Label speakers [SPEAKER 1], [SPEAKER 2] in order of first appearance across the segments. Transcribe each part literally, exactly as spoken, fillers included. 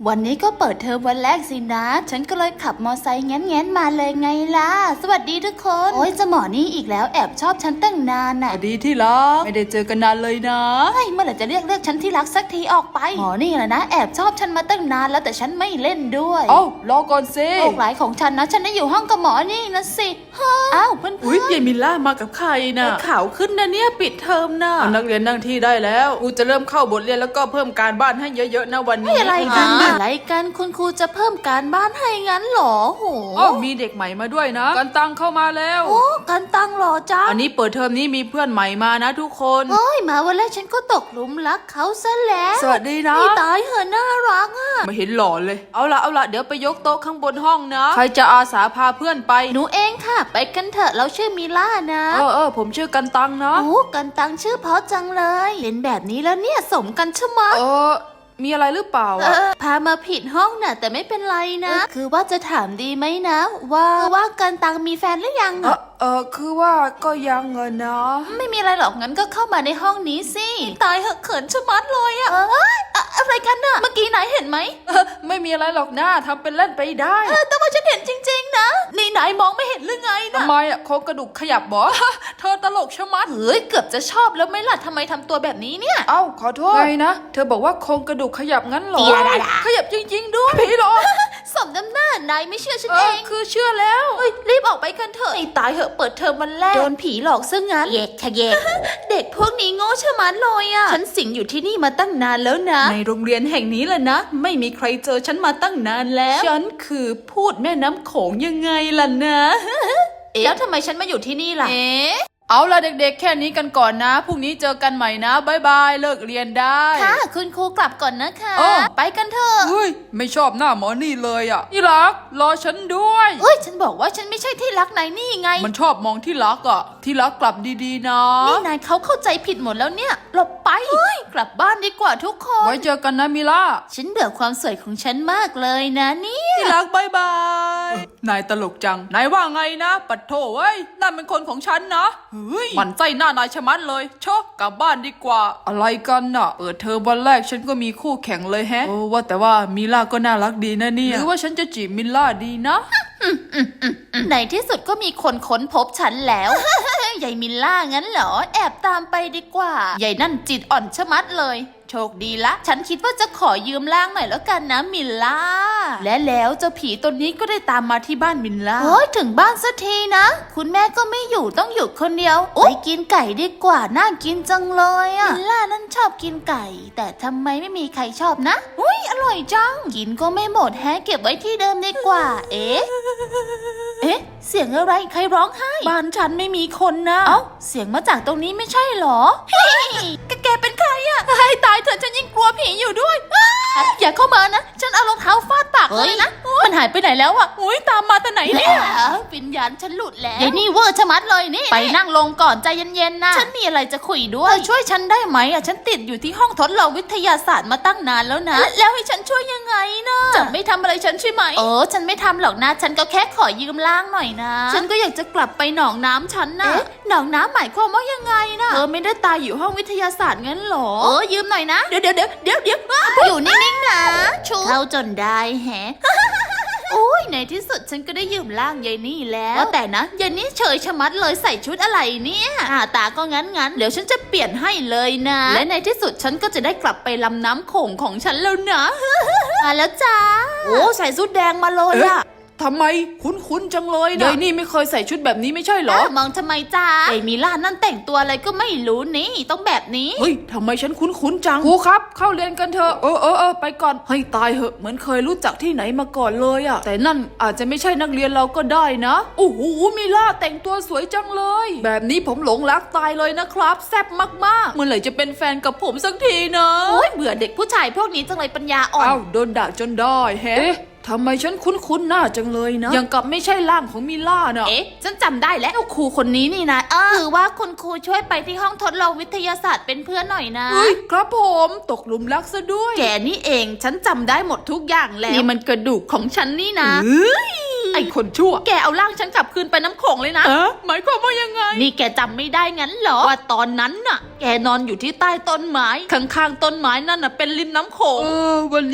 [SPEAKER 1] วันนี้ก็เปิดเทอมวันแรกสินะฉันก็เลยขับมอไซค์แง้นๆมาเลยไงล่ะสวัสดีทุกคนโอ้ยจะหมอนี่อีกแล้วแอบชอบฉันตั้งนานน่ะ
[SPEAKER 2] สวัสดีที่รักไม่ได้เจอกันนานเลยนะ
[SPEAKER 1] เฮ้ยเมื่อไหร่จะเรียกเรียกฉันที่รักสักทีออกไปหมอนี่แหละนะแอบชอบฉันมาตั้งนานแล้วแต่ฉันไม่เล่นด้วย
[SPEAKER 2] เอ้ารอก่อนสิ
[SPEAKER 1] โลกหลายของฉันนะฉันได้อยู่ห้องกับหมอนี่นะสิอ้าวเพื่อนๆ
[SPEAKER 2] อุ้ยยายมิลล่ามากับใครน่ะ
[SPEAKER 1] ข่าวขึ้นนะเนี่ยปิดเทอมนะ
[SPEAKER 2] นักเรียนนั่งที่ได้แล้วกูจะเริ่มเข้าบทเรียนแล้วก็เพิ่มการบ้านให้เยอะๆนะวันนี้
[SPEAKER 1] อะไรกันอะไรกันคุณครูจะเพิ่มการบ้านให้งั้นหรอโห
[SPEAKER 2] อ๋อมีเด็กใหม่มาด้วยนะกันตังเข้ามาแล้ว
[SPEAKER 1] โอ้กันตังหรอจ้า
[SPEAKER 2] อันนี้เปิดเทอมนี้มีเพื่อนใหม่มานะทุกคน
[SPEAKER 1] โอ้ยมาวันแรกฉันก็ตกหลุมรักเขาซะแล้ว
[SPEAKER 2] สวัสดีนะ
[SPEAKER 1] นี่ตายเหอะน่ารักอ่ะ
[SPEAKER 2] ไม่เห็นหล่อเลยเอาละเอาละเดี๋ยวไปยกโต๊ะข้างบนห้องนะใครจะอาสาพาเพื่อนไป
[SPEAKER 1] หนูเองค่ะไปกันเถอะเราชื่อมิล่านะ
[SPEAKER 2] เออเออผมชื่อกันตังนะ
[SPEAKER 1] โอ้กันตังชื่อเพราะจังเลยเห็นแบบนี้แล้วเนี่ยสมกันใช่ไหม
[SPEAKER 2] เออมีอะไรหรือเปล่า
[SPEAKER 1] อ่ะพามาผิดห้องน่ะแต่ไม่เป็นไรนะคือว่าจะถามดีไหมนะว่าว่ากันตังมีแฟนหรือยัง
[SPEAKER 2] เออเออคือว่าก็ยังเงินนะ
[SPEAKER 1] ไม่มีอะไรหรอกงั้นก็เข้ามาในห้องนี้สิตายเหอะเขินชะมัดเลยอะเอ้ยอะไรกันน่ะเมื่อกี้นายเห็นไหม
[SPEAKER 2] ไม่มีอะไรหรอกนะทำเป็นเล่นไปได้
[SPEAKER 1] แต่ว่าฉันเห็นจริงๆนะนี่นายมองไม่เห็นหรือไงนะ
[SPEAKER 2] ทำไมอ่ะโครงกระดูกขยับบอเธอตลกชะมัด
[SPEAKER 1] เฮ้ยเกือบจะชอบแล้วไม่ล่ะทำไมทำตัวแบบนี้เนี่ย
[SPEAKER 2] เอ้าขอโทษไงนะเธอบอกว่าโครงกระดูกขยับงั้นหรอขยับจริงๆด้วยผีหรอ
[SPEAKER 1] สมน้ำหน้านายไม่เชื่อฉันเอง
[SPEAKER 2] คือเชื่อแล้ว
[SPEAKER 1] เฮ้ยรีบออกไปกันเถอะไอ้ตายเหอะเปิดเทอมวันแรกโดนผีหลอกซะงั้นเยกชะเยกเด็กพวกนี้โง่ชะมัดเลยอ่ะฉันสิงอยู่ที่นี่มาตั้งนานแล้วนะ
[SPEAKER 2] ในโรงเรียนแห่งนี้แหละนะไม่มีใครเจอฉันมาตั้งนานแล้วฉันคือพูดแม่น้ำโขงยังไงล่ะนะ
[SPEAKER 1] เอ๊ะแล้วทำไมฉันมาอยู่ที่นี่ล่ะ
[SPEAKER 2] เอ๊ะเอาล่ะเด็กๆแค่นี้กันก่อนนะพรุ่งนี้เจอกันใหม่นะบ๊ายบายเลิกเรียนได้
[SPEAKER 1] ค่ะคุณครูกลับก่อนนะคะไปกันเถอะ
[SPEAKER 2] เฮ้ยไม่ชอบหน้าหมอนี่เลยอ่ะที่รักรอฉันด้วย
[SPEAKER 1] เฮ้ยฉันบอกว่าฉันไม่ใช่ที่รักนายนี่ไง
[SPEAKER 2] มันชอบมองที่รักอ่ะที่รักกลับดีๆนะ
[SPEAKER 1] นี่นายเขาเข้าใจผิดหมดแล้วเนี่ยหลบไปเฮ้ยกลับบ้านดีกว่าทุกคน
[SPEAKER 2] ไว้เจอกันนะมิล่า
[SPEAKER 1] ฉันเบื่อความสวยของฉันมากเลยนะเนี่ย
[SPEAKER 2] ที่รักบ๊ายบายนายตลกจังนายว่าไงนะปัดโถเว้ยนั่นเป็นคนของฉันนะเฮ้ยมันใจหน้านายชะมัดเลยชอบกลับบ้านดีกว่าอะไรกันน่ะเปิดเทอมวันแรกฉันก็มีคู่แข่งเลยแฮะโอ้ว่าแต่ว่ามิล่าก็น่ารักดีนะเนี่ยหรือว่าฉันจะจีบมิล่าดีนะ
[SPEAKER 1] ในที่สุดก็มีคนค้นพบฉันแล้วยายมิลล่างั้นเหรอแอบตามไปดีกว่ายายนั่นจิตอ่อนชะมัดเลยโชคดีละฉันคิดว่าจะขอยืมร่างหน่อยแล้วกันนะมิลล่าและแล้วเจ้าผีตัวนี้ก็ได้ตามมาที่บ้านมิลล่าโอ้ยถึงบ้านสักทีนะคุณแม่ก็ไม่อยู่ต้องอยู่คนเดียวไปกินไก่ดีกว่าน่ากินจังเลยอะมิลล่านั่นชอบกินไก่แต่ทำไมไม่มีใครชอบนะอุ้ยอร่อยจังกินก็ไม่หมดแฮะเก็บไว้ที่เดิมดีกว่าเอ๊ะเอ๊ะเสียงอะไรใครร้องไห้บ้านฉันไม่มีคนนะเอ้าเสียงมาจากตรงนี้ไม่ใช่หรอแกเป็นใครอะให้ตายเถอะฉันยิ่งกลัวผีอยู่ด้วยอย่าเข้ามานะฉันเอารองเท้าฟาดปากเลยนะมันหายไปไหนแล้วอะอุ้ยตามมาแต่ไหนเนี่ยวิญญาณฉันหลุดแล้วเดี๋ยวนี่เวอร์ชะมัดเลยนี่ไปนั่งลงก่อนใจเย็นๆนะฉันมีอะไรจะคุยด้วยช่วยฉันได้ไหมอะฉันติดอยู่ที่ห้องทดลองวิทยาศาสตร์มาตั้งนานแล้วนะแล้วให้ฉันช่วยยังไงนะจะไม่ทำอะไรฉันใช่ไหมเออฉันไม่ทำหรอกนะฉันก็แค่ขอยืมร่างหน่อยนะฉันก็อยากจะกลับไปหนองน้ำฉันนะหนองน้ำหมายความว่ายังไงนะเธอไม่ได้ตายอยู่ห้องวิทยาศาสตร์งั้นหรอเออยืมหน่อยนะเดี๋ยวเดี๋ยวเดี๋ยวเดี๋ยวเดี๋ยวอยู่นิ่งๆนะชูเข้าจนได้แฮะโอ้ยในที่สุดฉันก็ได้ยืมร่างยายนี่แล้วแต่นะยายนี่เฉยชะมัดเลยใส่ชุดอะไรเนี่ยหน้าตาก็งั้นงั้นเดี๋ยวฉันจะเปลี่ยนให้เลยนะและในที่สุดฉันก็จะได้กลับไปลำน้ำโขงของฉันแล้วนะมาแล้วจ้าโอ้ใส่ชุดแดงมาเลยอะ
[SPEAKER 2] ทำไมคุ้นๆจังเลยนะยายนี่ไม่เคยใส่ชุดแบบนี้ไม่ใช่เหรอ
[SPEAKER 1] มองทำไมจ้าไอ้มิล่านั่นแต่งตัวอะไรก็ไม่รู้นี่ต้องแบบนี้
[SPEAKER 2] เฮ้ยทำไมฉันคุ้นๆจังครูครับเข้าเรียนกันเถอะเออเออเออไปก่อนให้ตายเหอะเหมือนเคยรู้จักที่ไหนมาก่อนเลยอะแต่นั่นอาจจะไม่ใช่นักเรียนเราก็ได้นะโอ้โหมิล่าแต่งตัวสวยจังเลยแบบนี้ผมหลงรักตายเลยนะครับแซ่บมากๆเมื่อไหร่จะเป็นแฟนกับผมสักทีนะ
[SPEAKER 1] โอ้ยเบื่อเด็กผู้ชายพวกนี้จังเลยปัญญาอ่อน
[SPEAKER 2] อ้าวโดนด่าจนได้แฮะทำไมฉันคุ้นๆหน้าจังเลยนะยังกับไม่ใช่ร่างของมิล่านะ
[SPEAKER 1] เอ๊ะฉันจำได้แล้วครูคนนี้นี่นะเออคือว่าคุณครูช่วยไปที่ห้องทดลองวิทยาศาสตร์เป็นเพื่อนหน่อยนะ
[SPEAKER 2] เฮ้ยครับผมตกหลุมรักซะด้วย
[SPEAKER 1] แกนี่เองฉันจำได้หมดทุกอย่างแล้วนี่มันกระดูกของฉันนี่นะเฮ้ยไอ้คนชั่วแกเอาร่างฉันกลับคืนไปน้ำโขงเลยนะ
[SPEAKER 2] เออหมายความว่ายังไง
[SPEAKER 1] นี่แกจำไม่ได้งั้นเหรอว่าตอนนั้นน่ะแกนอนอยู่ที่ใต้ต้นไม้ข้างๆต้นไม้นั่นน่ะเป็นริมน้ำโขง
[SPEAKER 2] เออวันนี้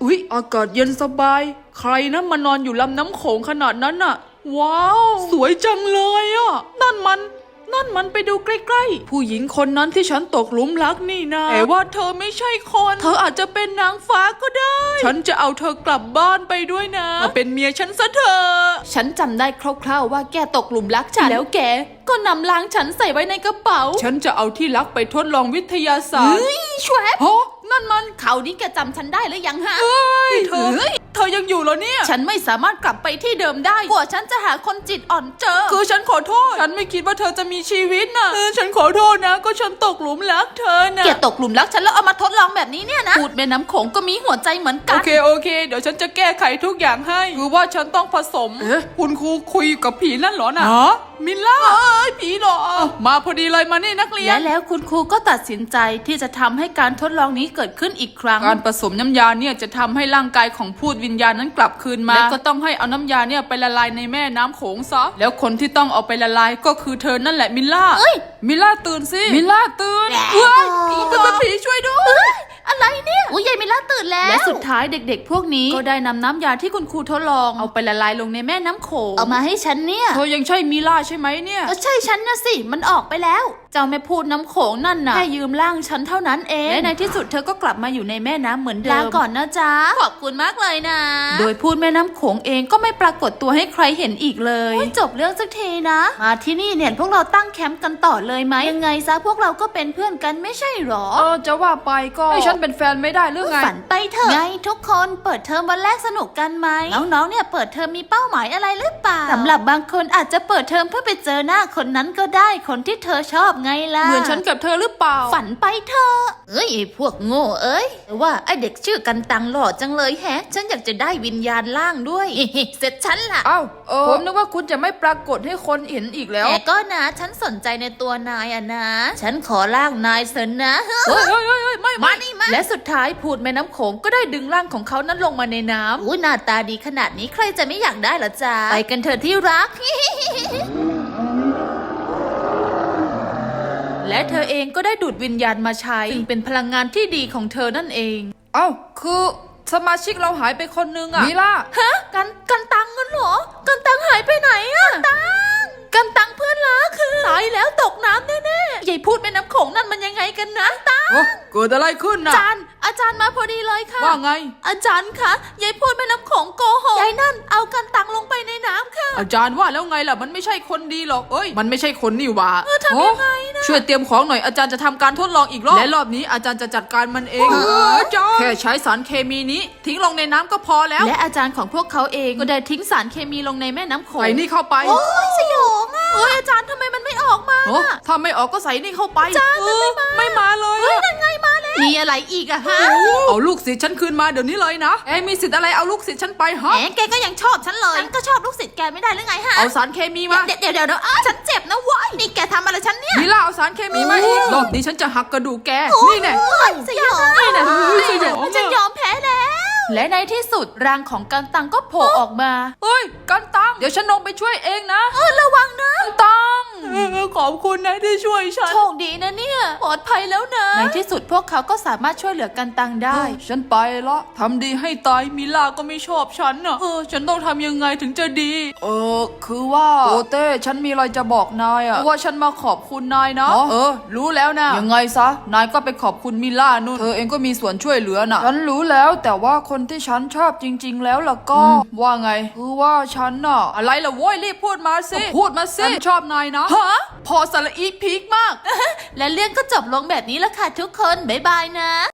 [SPEAKER 2] อุ๊ยอากาศเย็นสบายใครนะมานอนอยู่ลำน้ำโขงขนาดนั้นน่ะว้าวสวยจังเลยอ่ะนั่นมันนั่นมันไปดูใกล้ๆผู้หญิงคนนั้นที่ฉันตกหลุมรักนี่นะแต่ว่าเธอไม่ใช่คนเธออาจจะเป็นนางฟ้าก็ได้ฉันจะเอาเธอกลับบ้านไปด้วยนะมาเป็นเมียฉันซะเถอะฉันจำได้คร่าวๆว่าแกตกหลุมรักฉันแล้วแกก็นำล้างฉันใส่ไว้ในกระเป๋าฉันจะเอาที่รักไปทดลองวิทยาศาสตร์
[SPEAKER 1] ชวบ
[SPEAKER 2] ฮะนั่นมัน
[SPEAKER 1] เขาวนี้แกจำฉันได้หรือยังฮะ
[SPEAKER 2] เฮ้ยเธอเธอยังอยู่เหรอเนี่ย
[SPEAKER 1] ฉันไม่สามารถกลับไปที่เดิมได้กว่าฉันจะหาคนจิตอ่อนเจอ
[SPEAKER 2] คือฉันขอโทษฉันไม่คิดว่าเธอจะมีชีวิตนะเออฉันขอโทษนะก็ฉันตกหลุมรักเธอนะ
[SPEAKER 1] แกตกหลุมรักฉันแล้วเอามาทดลองแบบนี้เนี่ยนะพูดแม่น้ำโขงก็มีหัวใจเหมือนกั
[SPEAKER 2] โอน เคโอเคเดี๋ยวฉันจะแก้ไขทุกอย่างให้คือว่าฉันต้องผสมเอ๊ะคุณครูคุยกับผีนั่นเหรอนะมิลล่าเอ้ยผีเหรอมาพอดีเลยมานี่นักเรียน
[SPEAKER 1] และแล้วคุณครูก็ตัดสินใจที่จะทำให้การทดลองนี้เกิดขึ้นอีกครั้ง
[SPEAKER 2] การผสมน้ำยาเนี่ยจะทำให้ร่างกายของพูดวิญญาณนั้นกลับคืนมาและก็ต้องให้เอาน้ำยาเนี่ยไปละลายในแม่น้ำโขงซะแล้วคนที่ต้องเอาไปละลายก็คือเธอนั่นแหละมิลล่า
[SPEAKER 1] เอ้ย
[SPEAKER 2] มิลล่าตื่นสิมิลล่าตื่น
[SPEAKER 1] แหละ
[SPEAKER 2] เฮ้ยผีเป็นผีช่วยด้วย
[SPEAKER 1] อะไรเนี่ยอุ้ยยายมิลล่าตื่นแล้วและสุดท้ายเด็กๆ พวกนี้ก็ได้นำน้ำยาที่คุณครูทดลองเอาไปละลายลงในแม่น้ำโขงเอามาให้ฉันเนี่ย
[SPEAKER 2] เธอยังใช่มิลล่าใช่ไหมเนี่ย
[SPEAKER 1] ก็ใช่ฉันนะสิมันออกไปแล้ว เจ้าแม่พูดน้ำโขงนั่นน่ะแค่ยืมร่างฉันเท่านั้นเองและในที่สุดเธอก็กลับมาอยู่ในแม่น้ำเหมือนเดิมลาก่อนนะจ๊ะขอบคุณมากเลยนะ โดยพูดแม่น้ำโขงเองก็ไม่ปรากฏตัวให้ใครเห็นอีกเลยจบเรื่องสักทีนะมาที่นี่เนี่ยพวกเราตั้งแคมป์กันต่อเลยไหมยังไงซะพวกเราก็เป็นเพื่อนกันไม่ใช่หรอ
[SPEAKER 2] เออจะว่าไปก็ให้ฉันเป็นแฟนไม่ได้หรือไง
[SPEAKER 1] ฝันไปเถอะไงทุกคนเปิดเทอมวันแรกสนุกกันไหมน้องๆเนี่ยเปิดเทอมมีเป้าหมายอะไรหรือเปล่าสำหรับบางคนอาจจะเปิดเทอมเพื่อไปเจอหน้าคนนั้นก็ได้คนที่เธอชอบไงล่ะ
[SPEAKER 2] เหมือนฉันกับเธอหรือเปล่า
[SPEAKER 1] ฝันไปเถอะเอ้ยไอ้พวกโง่เอ้ยแต่ว่าไอ้เด็กชื่อกันตังหล่อจังเลยแฮะ ฉันอยากจะได้วิญญาณล่างด้วย เสร็จฉันล่ะ
[SPEAKER 2] เอ้าเออผมนึกว่าคุณจะไม่ปรากฏให้คนเห็นอีกแล้ว
[SPEAKER 1] แต่ก็นะฉันสนใจในตัวนายอะนะ ฉันขอล่างนายเสนนะ
[SPEAKER 2] เฮ้ยเฮ้ยเฮ้ยเฮ้ยไม่
[SPEAKER 1] มานี่มาและสุดท้ายพูดแม่น้ำโขงก็ได้ดึงร่างของเขานั้นลงมาในน้ำอู้หน้าตาดีขนาดนี้ใครจะไม่อยากได้เหรอจ๊ะไปกันเถอะที่รัก และเธอเองก็ได้ดูดวิญญาณมาใช้ซึ่งเป็นพลังงานที่ดีของเธอนั่นเอง
[SPEAKER 2] เอ้าคือสมาชิกเราหายไปคนนึงอะมิล่า
[SPEAKER 1] ฮะกันกันตังกันเหรอกันตังหายไปไหนอะกันตังกันตังเพื่อนรักคือตายแล้วตกน้ำแน่ๆยายพูดแม่น้ำโขงนั่นมันยังไงกันนะตัง
[SPEAKER 2] โอ้เกิดอะไรขึ้น
[SPEAKER 1] อา
[SPEAKER 2] นะ
[SPEAKER 1] จารย์อาจารย์มาพอดีเลยค่ะ
[SPEAKER 2] ว่าไง
[SPEAKER 1] อาจารย์คะยายพูดแม่น้ำโขงโกหกยายนั่นเอากันตังลงไปในน้ำค่ะ
[SPEAKER 2] อาจารย์ว่าแล้วไงล่ะมันไม่ใช่คนดีหรอกเอ้ยมันไม่ใช่คนนี่หว่า
[SPEAKER 1] เออทำยังไงนะ
[SPEAKER 2] ช่วยเตรียมของหน่อยอาจารย์จะทำการทดลองอีกรอบและรอบนี้อาจารย์จะจัดการมันเอง
[SPEAKER 1] เออ
[SPEAKER 2] อาจารย์แค่ใช้สารเคมีนี้ทิ้งลงในน้ำก็พอแล้ว
[SPEAKER 1] และอาจารย์ของพวกเขาเองก็ได้ทิ้งสารเคมีลงในแม่น้ำโขง
[SPEAKER 2] ใส่นี่เข้าไป
[SPEAKER 1] โอ้ยสยองอ่ะเอ้ยอาจารย์ทำไมมันไม่ออกมา
[SPEAKER 2] โอ้ถ้าไม่ออกก็ใส่นี่เข้าไปอาจารย์มันไม่มาไม่มาเลย
[SPEAKER 1] เฮ้ยนั่นไงมาแล้วมีอะไรอีกอะฮะ
[SPEAKER 2] เอาลูกศิษย์ฉันคืนมาเดี๋ยวนี้เลยนะเอ้มีสิทธิ์อะไรเอาลูกศิษย์ฉันไปฮะ
[SPEAKER 1] แหมแกก็ยังชอบฉันเลยฉันก็ชอบลูกศิษย์แกไม่ได้หรือไงฮะ
[SPEAKER 2] เอาสารเคมีมา
[SPEAKER 1] เดี๋ยวเดี๋ยวเดี๋ยวเดี๋ยวอ้าวฉันเจ็บนะเว้ยนี่แกทำอะไรฉันเนี่ย
[SPEAKER 2] มิล่าเอาสารเคมีมาอีกรอบนี้ฉันจะหักกระดูกแกนี่แน่
[SPEAKER 1] โอ้ยสยอง
[SPEAKER 2] นี่แน่
[SPEAKER 1] สยอง
[SPEAKER 2] อะ
[SPEAKER 1] ฉันยอมแพ้แล้ว และในที่สุดร่างของกันตังก็โผล่ออกมา
[SPEAKER 2] เฮ้ยกันตังเดี๋ยวฉันลงไปช่วยเองนะ
[SPEAKER 1] เออระวังนะ
[SPEAKER 2] กันตังขอบคุณนะที่ช่วยฉัน
[SPEAKER 1] โชคดีนะเนี่ยปลอดภัยแล้วนะ ในที่สุดพวกเขาก็สามารถช่วยเหลือกันตังได้
[SPEAKER 2] ฉันไปละทำดีให้ตายมิล่าก็ไม่ชอบฉันน่ะเออฉันต้องทำยังไงถึงจะดี เออคือว่าโปเต้ฉันมีอะไรจะบอกนายอะว่าฉันมาขอบคุณนายนะเออ รู้แล้วนะยังไงซะนายก็ไปขอบคุณมิล่านู่นเธอเองก็มีส่วนช่วยเหลือน่ะฉันรู้แล้วแต่ว่าคนที่ฉันชอบจริง ๆ แล้วล่ะก็ว่าไงคือว่าฉันน่ะอะไรล่ะโว้ยรีบพูดมาสิพูดมาสิฉันชอบนายนะฮะพอสระอีพีคมาก
[SPEAKER 1] และเรื่องก็จบลงแบบนี้แล้วค่ะทุกคน บ๊ายบายนะ